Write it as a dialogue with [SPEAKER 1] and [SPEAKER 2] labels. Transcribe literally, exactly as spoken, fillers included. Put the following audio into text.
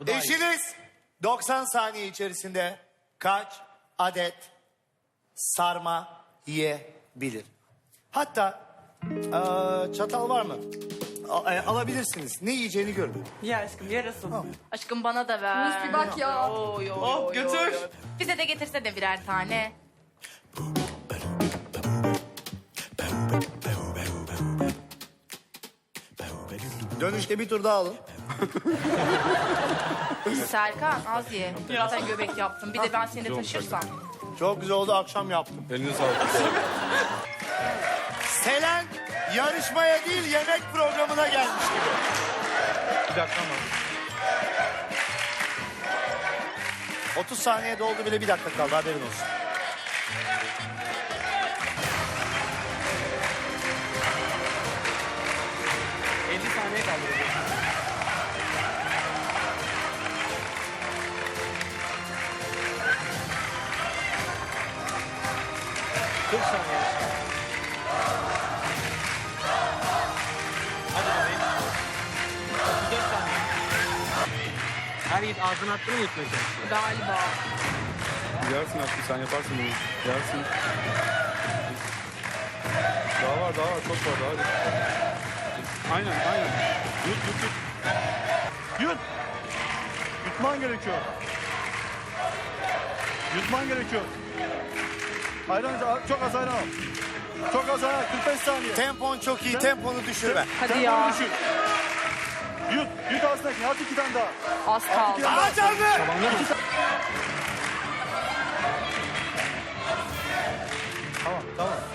[SPEAKER 1] Bu daha iyi.
[SPEAKER 2] Eşiniz doksan saniye içerisinde kaç adet sarma yiyebilir? Hatta eee, çatal var mı? A- e, alabilirsiniz. Ne yiyeceğini görün.
[SPEAKER 1] Ya aşkım yarasın.
[SPEAKER 3] Aşkım bana da ver.
[SPEAKER 4] Mus bir bak ya.
[SPEAKER 3] Oy, oy,
[SPEAKER 1] Oh,
[SPEAKER 3] oy,
[SPEAKER 1] götür.
[SPEAKER 3] oy, oy. Bize de getirse de birer tane.
[SPEAKER 2] Dönüşte bir tur daha alın.
[SPEAKER 3] Serkan az ye. Zaten göbek yaptım. Bir de ben seni de taşırsam.
[SPEAKER 2] Çok güzel oldu, akşam yaptım.
[SPEAKER 5] Eline sağlık.
[SPEAKER 2] Selen yarışmaya değil yemek programına gelmiş gibi.
[SPEAKER 5] Bir dakika ama.
[SPEAKER 2] otuz saniye doldu bile, bir dakika kaldı, haberin olsun.
[SPEAKER 1] elli saniye kaldı. kırk saniye. Hadi bebeğim. otuz dört saniye. Her yiğit ağzına attı mı yetmedi?
[SPEAKER 3] Galiba.
[SPEAKER 5] Yersin aşkım, sen yaparsın bunu. Yersin. Daha var, daha var. Çok var, daha hadi. Aynen, aynen. Yut, yut, yut. Yut! Yutman gerekiyor. Yutman gerekiyor. Ayran, çok az ayran al. Çok az ayran, kırk beş saniye.
[SPEAKER 2] Tempon çok iyi, temponu düşürme.
[SPEAKER 3] Hadi
[SPEAKER 5] Sen
[SPEAKER 3] ya.
[SPEAKER 5] bunu düşün. Yut, yut ağzındaki. Hadi iki tane daha.
[SPEAKER 3] Az kaldı.
[SPEAKER 2] Aa canlı!
[SPEAKER 5] Tamam, tamam.